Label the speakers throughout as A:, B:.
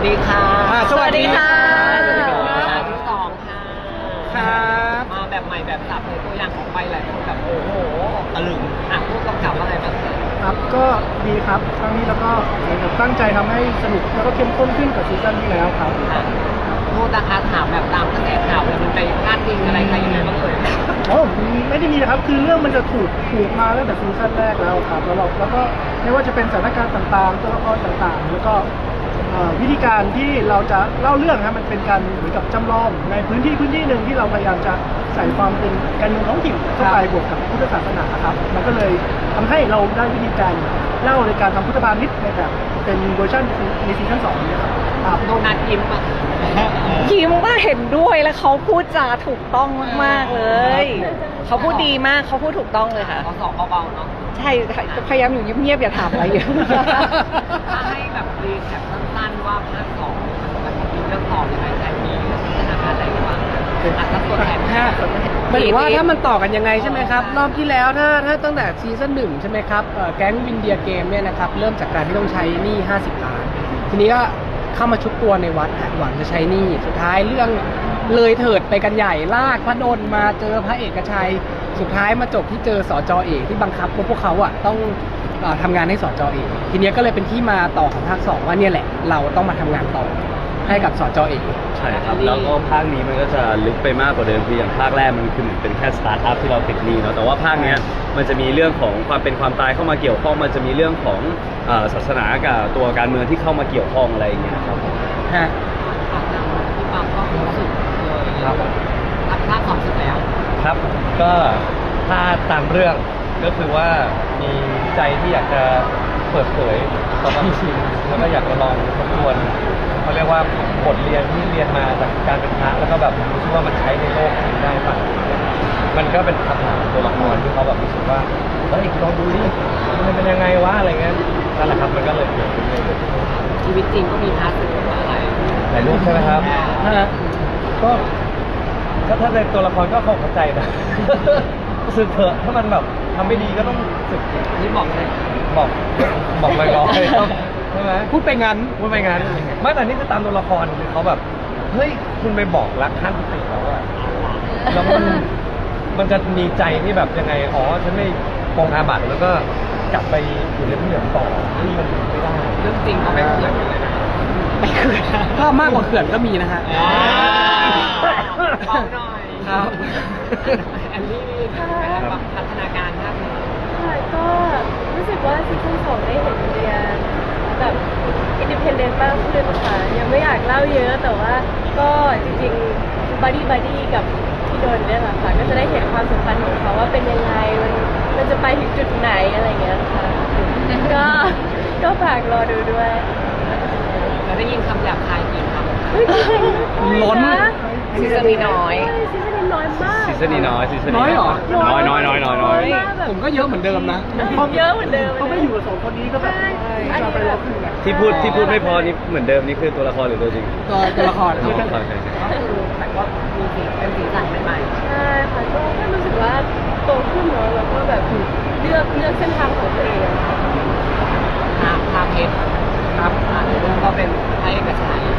A: ดีค่ะ
B: สวัสดีค่ะ
A: ที่สองค่ะ
B: ครับ
A: มาแบบใหม่แบบสับเลยตัวอย่างของไปหลายคนแบบโอ้โหตะลึงผู้กำกับอะไรบ้าง
C: ครับก็ดีครับครั้งนี้แล้วก็เหมือนกับตั้งใจทำให้สนุกแล้วก็เข้มข้นขึ้นกว่าซีซั่นที่แล้วครับ
A: พูดนะคะถามแบบตามกระแสข่าวเลยมันไปพลาดพิงอะไรใครยังไงบ้างเลย
C: โอ้ไม่ได้มีนะครับคือเรื่องมันจะถูกมาตั้งแต่ซีซั่นแรกแล้วครับแล้วก็ไม่ว่าจะเป็นสถานการณ์ต่างๆตัวละครต่างๆแล้วก็วิธีการที่เราจะเล่าเรื่องครับมันเป็นการเหมือนกับจำลองในพื้นที่หนึ่งที่เราพยายามจะใส่ความเป็นการเมืองท้องถิ่นเข้าไปบวกกับพุทธศาสนาครับมันก็เลยทำให้เราได้วิธีการเล่าในการทำพุทธบาทนิดในแบบเป็นเวอร์ชันในซีซั่น2เนี่ยครับ
A: โดนัทยิ้มอ่ะ
B: ยิ้มว่าเห็นด้วยแล้วเขาพูดจาถูกต้องมากๆเลยเขาพูดดีมากเขาพูดถูกต้องเลยค่ะ
A: เขาสอบเบาๆเนาะ
B: ใช่พยายามอยู่เงียบๆอย่าถามอะไรเยอะ
A: ถ้าให้แบบรีแคปสั้นๆว่าภาค2มันมีเรื่องต่อยังไงแต่มีสถานการณ์อะไรบ้างอาจจะตัวแทน
D: หมายถึงว่าถ้ามันต่อกันยังไงใช่ไหมครับรอบที่แล้วถ้าตั้งแต่ซีซั่น1ใช่ไหมครับแก๊งวินเดียเกมเนี่ยนะครับเริ่มจากการที่ต้องใช้หนี้50 ล้านทีนี้ก็เข้ามาชุบตัวในวัดหวังจะใช้หนี้สุดท้ายเรื่องเลยเถิดไปกันใหญ่ลากพระนนท์มาเจอพระเอกชัยสุดท้ายมาจบที่เจอสจ.เอกที่บังคับพวกเขาต้องทำงานให้สจ.เอกทีนี้ก็เลยเป็นที่มาต่อของภาค2ว่าเนี่ยแหละเราต้องมาทำงานต่อให้กับสจ.เอก
E: ใช่ครับแล้วก็ภาคนี้มันก็จะลึกไปมากกว่าเดิมคืออย่างภาคแรกมันคือเหมือนเป็นแค่สตาร์ทอัพที่เราติดหนี้เนาะแต่ว่าภาคเนี้ยมันจะมีเรื่องของความเป็นความตายเข้ามาเกี่ยวข้องมันจะมีเรื่องของศาสนากับตัวการเมืองที่เข้ามาเกี่ยวข้องอะไรอย่างเงี้ยครับ
D: ฮะ
A: ที่ปั๊มก็รู้สึกเลย
E: ครับ
A: ภาค2สุดแล้ว
E: ครับก็ถ้าตามเรื่องก็คือว่ามีใจที่อยากจะเปิดเผยต่อความจริงแล้วก็อยากจะลองทบทวนเขาเรียกว่าบทเรียนที่เรียนมาจากการเป็นพระแล้วก็แบบรู้สึกว่ามันใช้ในโลกจริงได้ป่ะมันก็เป็นคำถามตัวละครที่เขาแบบรู้สึกว่าเฮ้ยลองดูดิมันเป็นยังไงวะอะไรเงี้ยนั่นแหละครับมันก็เลยเกิดขึ้นเลย
A: ชีวิตจริงก็มีพาร์ทสึกอะไร
E: หลายรูปใช่ไหมครับก็ถ้าในตัวละครก็เข้าใจนะสึกเถอะถ้ามันแบบทำไม่ดีก็ต้องสึก
A: นี่บอกเลย
E: บอกลอยๆครับใช่ไหมพูดไปงั้นไม่แต่นี่คือตามตัวละครคือเขาแบบเฮ้ยคุณไปบอกรักขั้นติแล้วอะแล้วมันจะมีใจที่แบบยังไงอ๋อฉันไม่ปองอาบัติแล้วก็กลับไปอยู่ในที่เหลือต่อที่มันไม่ได้
A: เรื่องจริงเขาไม่เขื่อนเลยนะ
D: ไม่เขื่อนถ้ามากกว่าเขื่อนก็มีนะฮะ
A: เบาหน่อย
D: ครับ
A: แอนนี่พัฒนาการครับ
F: ก็รู้สึกว่าซีซั่น2ได้เห็นเรียนแบบอินดิเพนเดนต์มากขึ้นค่ะยังไม่อยากเล่าเยอะแต่ว่าก็จริงๆบัดดี้กับพี่โดนเนี่ยแหละค่ะก็จะได้เห็นความสัมพันธ์ของเขาว่าเป็นยังไงมันจะไปถึงจุดไหนอะไรเงี้ยค่ะก็ฝากรอดูด้วย
A: เราได้ยินคำหยาบคายกี่ค
D: ำล้น
B: ซีซั่นนี้น้อย
F: ซีซั่นนี้น้อยมาก
E: ซีซั่นนี้น้อย
D: น้อยเหรอ
E: น้อย
D: ผมก็เยอะเหมือนเดิมนะ
F: เยอะเหมือนเดิม
C: เขาไม่อยู่กับ2 คนนี้ก็แบบจะไปรอขึ้น
E: ที่พูดไม่พอนี่เหมือนเดิมนี่คือตัวละครหรือตัวจริง
D: ตัวละคร
A: ก็คือแต่ว่ามีเป็นสีสันใหม่
F: ใช่ค่ะก็รู้สึกว่าโตขึ้นเนาะแล้วก็แบบเลือกเส้นทางของตัวเอง
A: พาเพชรครับเรื่องก็เป็นพระเอกชัย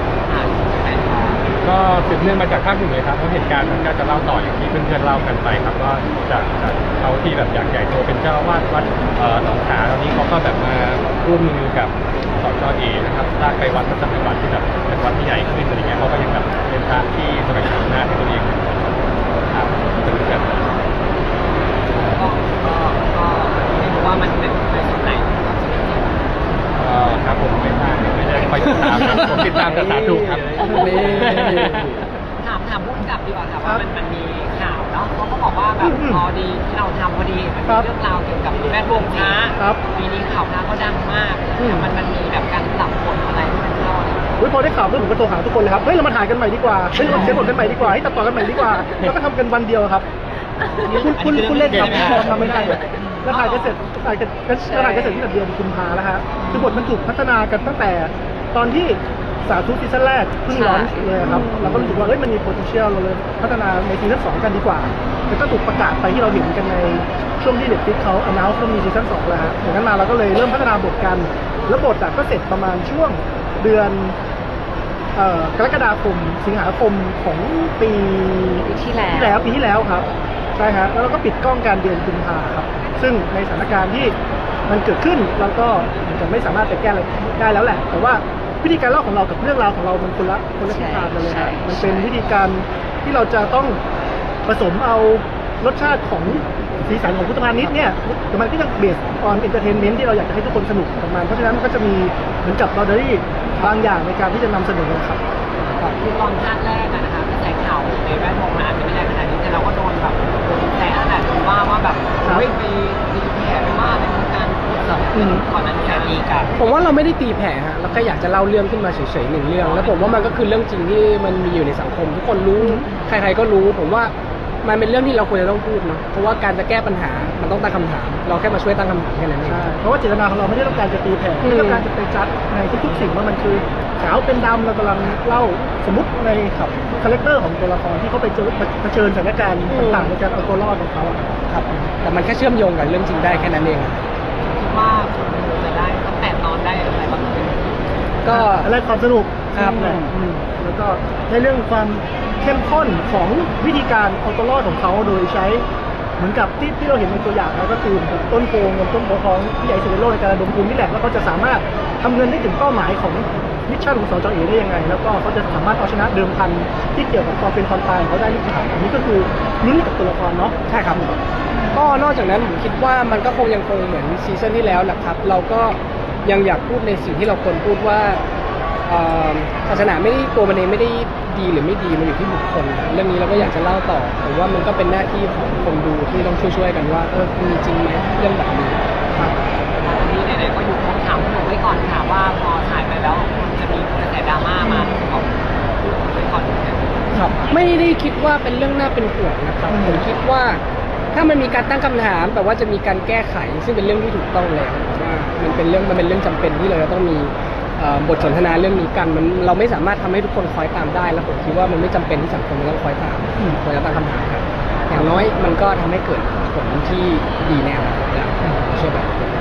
G: ก็สืบเนื่องมาจากภาค 1เลยครับเพราะเหตุการณ์มันก็จะเล่าต่ออย่างที่เพื่อนๆเล่ากันไปครับก็จากเขาที่แบบอยากใหญ่โตเป็นเจ้าอาวาสวัดหนองขาตอนนี้เขาก็แบบมาร่วมมือกับสจ.เอนะครับสร้างไปวัดพระสังฆวัดที่แบบเป็นวัดที่ใหญ่ขึ้นอะไรเงี้ยเขาก็ยังแบบเป็นทางที่แสวงหาอำนาจให้ตัวเองครับจะรู้กัน
A: ก็ไม่รู้ว่ามันเป็นในส่วนไหน
G: ครับผมไม่ได้คอยติดตามผมติดตามแต่สาธุครับ
A: ถามผู้กำกับดีกว่าค่ะว่ามันมีข่าวเนาะเขาก็บอกว่าแบบพอดีที่เราทำพอดีมันมีเรื่องราวเกี่ยวกับแวดวงพระปีนี้ข่าวพระก็ดังมากมันมีแบบการปรับบทอะไรที่มันเข้า
C: พอได้ข่าวเรื่องผมก็โทรหาทุกคนเลยครับเฮ้ยเรามาถ่ายกันใหม่ดีกว่าเฮ้ยเราเขียนบทกันใหม่ดีกว่าให้ตัดต่อกันใหม่ดีกว่าแล้วก็ทำกันวันเดียวครับคุณเล่นครับทำไม่ได้แล้วถ่ายกันเสร็จที่แบบเดือนกุมภาแล้วฮะคือบทมันถูกพัฒนากันตั้งแต่ตอนที่สาธุซีซั่นแรกเพิ่งร้อนเลยครับเราก็รู้สึกว่ามันมี potential เราเลยพัฒนาในซีซั่น2กันดีกว่าแล้วก็ถูกประกาศไปที่เราเห็นกันในช่วงที่ Netflix เขา announce ว่ามีซีซั่น2แล้วฮะอย่างนั้นมาเราก็เลยเริ่มพัฒนาบทกันแล้วบทก็เสร็จประมาณช่วงเดือนกรกฎาคมสิงหาคมของปี
B: ที่แล้ว
C: ปีที่แล้วครับใช่ฮะแล้วเราก็ปิดกล้องการเดือนกุมภาครับซึ่งในสถานการณ์ที่มันเกิดขึ้นเราก็เหมือนกับไม่สามารถจะแก้อะไรได้แล้วแหละแต่ว่าวิธีการเล่าของเรากับเรื่องราวของเรามันคนละทิศทางกันเลยครับมันเป็นวิธีการที่เราจะต้องผสมเอารสชาติของสีสันของพุทธพาณิชย์เนี่ยแต่มันก็ยังเบสออนเอนเตอร์เทนเมนต์ที่เราอยากจะให้ทุกคนสนุกกับมันเพราะฉะนั้นมันก็จะมีเหมือนกับเราได้บางอย่างในการที่จะนำเสนอครับ
A: คือตอนภาคแรกอะนะคะกระแสข่าวในแวดวงมันอาจจะไม่แรงขนาดนี้แต่เราก็โดนแบบโดนแซะนั่นแหละว่าแบบเฮ้ยไปตีแผ่ไปว่าในวงการก่อนหน้านี้มีกัน
D: ผมว่าเราไม่ได้ตีแผ่ฮะเราแค่อยากจะเล่าเรื่องขึ้นมาเฉยๆหนึ่งเรื่อง แล้วผมว่ามันก็คือเรื่องจริงที่มันมีอยู่ในสังคม ทุกคนรู้ใครๆก็รู้ ผมว่ามันเป็นเรื่องที่เราควรจะต้องพูดเนาะเพราะว่าการจะแก้ปัญหามันต้องตั้งคำถาม เราแค่มาช่วยตั้งคำถามแค่นั้นเอง
C: ใช่เพราะว่าเจตนาของเราไม่ได้ต้องการจะตีแผ่ไม่ต้องการจะไปจัดในทุกๆสิ่งว่ามันคือขาวเป็นดำเรากำลังเล่าสมมติในครับคาแรคเตอร์ของตัวละครที่เขาไปเผชิญสถานการณ์ต่างๆในการเอาตัวรอดของเขาอะครับ
D: แต่มันแค่เชื่อมโยงกับเรื่องจริงได้แค่นั้นเอง
A: คิดว่าคนดูจะได้ตั้งแต่ตอนได้อะไรบ้าง
D: ก็
C: อะไรความสนุก
D: ครับ
C: แล้วก็ในเรื่องความเข้มข้นของวิธีการเอาตัวรอดของเขาโดยใช้เหมือนกับที่เราเห็นในตัวอย่างแล้วก็คือต้นโพงกับต้นโพทองที่ใหญ่สุดในโลกในการระดมทุนนี่แหละแล้วเขาจะสามารถทำเงินได้ถึงเป้าหมายของมิชชั่นของสจ.เอได้ยังไง แล้วก็เขาจะสามารถเอาชนะเดิมพันที่เกี่ยวกับความเป็นความตายของเขาได้หรือเปล่าอันนี้ก็คือลุ้นกับตัวละครเนาะ
D: ใช่ครับก็นอกจากนั้นผมคิดว่ามันก็ยังคงเหมือนซีซั่นที่แล้วแหละครับ เราก็ยังอยากพูดในสิ่งที่เราควรพูดว่าศาสนาไม่ได้ตัวมันเองไม่ได้ดีหรือไม่ดีมันอยู่ที่บุคคลเรื่องนี้เราก็อยากจะเล่าต่อผมว่ามันก็เป็นหน้าที่ของคนดูที่ต้องช่วยๆกันว่ามันมีจริงไหมเรื่องแบบนี้ครับ
A: อันนี้ไหนๆก็อยู่คำถามหนูไว้ก่อนค่ะว่าพอถ่ายไปแล้วจะมีกระแสดราม่ามาของไว้ก่อน
D: ครับไม่ได้คิดว่าเป็นเรื่องน่าเป็นห่วงนะครับผมคิดว่าถ้ามันมีการตั้งคำถามแต่ว่าจะมีการแก้ไขซึ่งเป็นเรื่องที่ถูกต้องแล้วว่ามันเป็นเรื่องจำเป็นที่เราจะต้องมีบทสนทนาเรื่องนี้กันเราไม่สามารถทำให้ทุกคนคอยตามได้แล้วผมคิดว่ามันไม่จำเป็นที่สังคมจะต้องคอยตามควรจะตั้งคำถามครับอย่างน้อยมันก็ทำให้เกิดผลที่ดีแน่แล้วเชื่อแบบ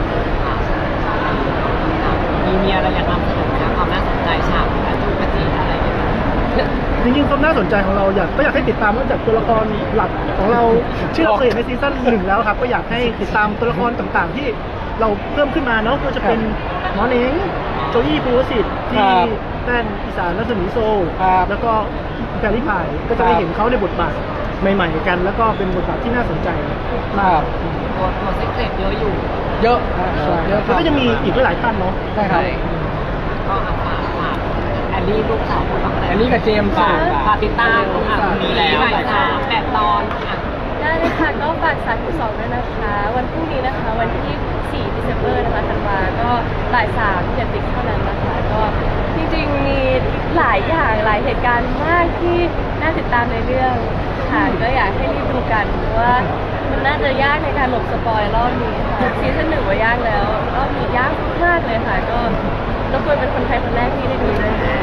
A: มีอะไรอยากนำเสนอนะความน่าสนใจฉากการจูบกระจีอะไรอย่างเงี้ย
C: จริงๆความน่าสนใจของเราก็อยากให้ติดตามนอกจากตัวละครหลักของเราที่เราเคยเห็นในซีซั่น1แล้วครับก็อยากให้ติดตามตัวละครต่างๆที่เราเพิ่มขึ้นมาเนาะก็จะเป็นหมอเน้งโจอี้ภูวสิทธิ์ที่แต้นอีสานรัศมีโซแล้วก็แพรรี่พายก็จะได้เห็นเขาในบทบาทใหม่ๆกัน แล้วก็เป็นบทบาทที่น่าสนใจมาก
A: ตัวเซ็กเซ็ตเยอะอยู่
D: เยอะ
C: แล้วก็จะมีอีกหลายท่านเนาะ
D: ใช่ครับ
A: ก็ฝากแอลลี่ลูกสาวคุณบ้าง
D: แอลลี่กับเจมส์
A: ฝากติดตามมีแล้ว8 ตอน
F: ได้เลยค่ะก็ฝาก3-2ด้วยนะคะ วันพรุ่งนี้นะคะ วันที่4 December นะคะธันวาก็บ่าย3 Netflix เท่านั้นนะคะ ก็จริงๆมีหลายอย่างหลายเหตุการณ์มากที่น่าติดตามในเรื่องค่ะก็อยากให้รีบดูกันเพราะว่ามันน่าจะยากในการหลบสปอยรอบนี้ค่ะซีซั่น1ว่ายากแล้วรอบนี้ยากมากเลยค่ะก็รบกวนเป็นคนไทยคนแรกที่ได้ดูด้วยค่ะ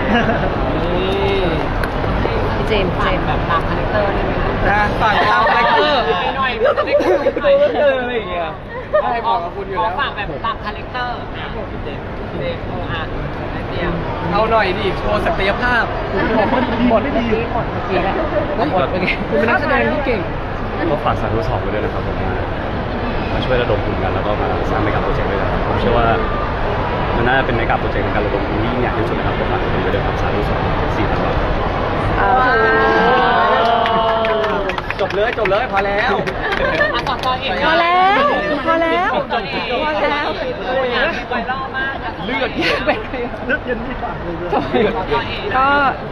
B: พี่เจมส์
A: แบบตามคาแรคเตอร์ได้ไหมคะ
D: ฝากตามคาแรคเตอร์
A: หน่อยจะได้คุยหน่อย
D: อะไรอย่างเงี้ยใช่บอกกับคุณอยู่แล้ว
A: ฝากแบบตามคาแรคเตอร์พี่เจมส์ได้เตรียม
D: เอาหน่อยดิโชว์ศักยภาพหมดไม่ดีหมดเมื่อกี้แหละหมดเป็นไงคุณเป็นนักแสดงที่เก่ง
H: ก็ฝากสาธุสอบไว้ด้วยนะครับผมมาช่วยระดมทุนกันแล้วก็มาสร้างเมกะโปรเจกต์ด้วยนะครับผมเชื่อว่ามันน่าจะเป็นเมกะโปรเจกต์ในการระดมทุนที่ยิ่งใหญ่ที่สุดนะครับก็ฝากทุกคนไว้ด้วยครับสาธุสอบ4 ธันวาคม
D: จบเลยพอแล้ว
A: ต่อเอง
B: พอแล้วพอแล้ว
A: ต่อเอง
B: พอแล้ว
A: ไวรัลมาก
D: เลือดเย็นที่ปากเลย
B: ก็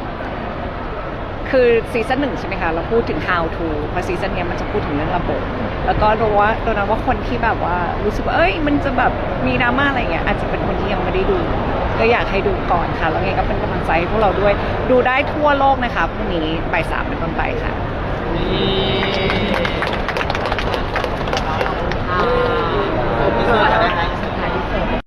B: คือซีซั่น1ใช่ไหมคะเราพูดถึง how to เพราะซีซั่นนี้มันจะพูดถึงเรื่องระบบแล้วก็โดนว่าคนที่แบบว่ารู้สึกว่าเอ้ยมันจะแบบมีดราม่าอะไรเงี้ยอาจจะเป็นคนที่ยังไม่ได้ดูก็อยากให้ดูก่อนค่ะแล้วไงก็เป็นกำลังใจให้พวกเราด้วยดูได้ทั่วโลกนะคะพรุ่งนี้บ่าย 3เป็นต้นไปค่ะ
A: นี่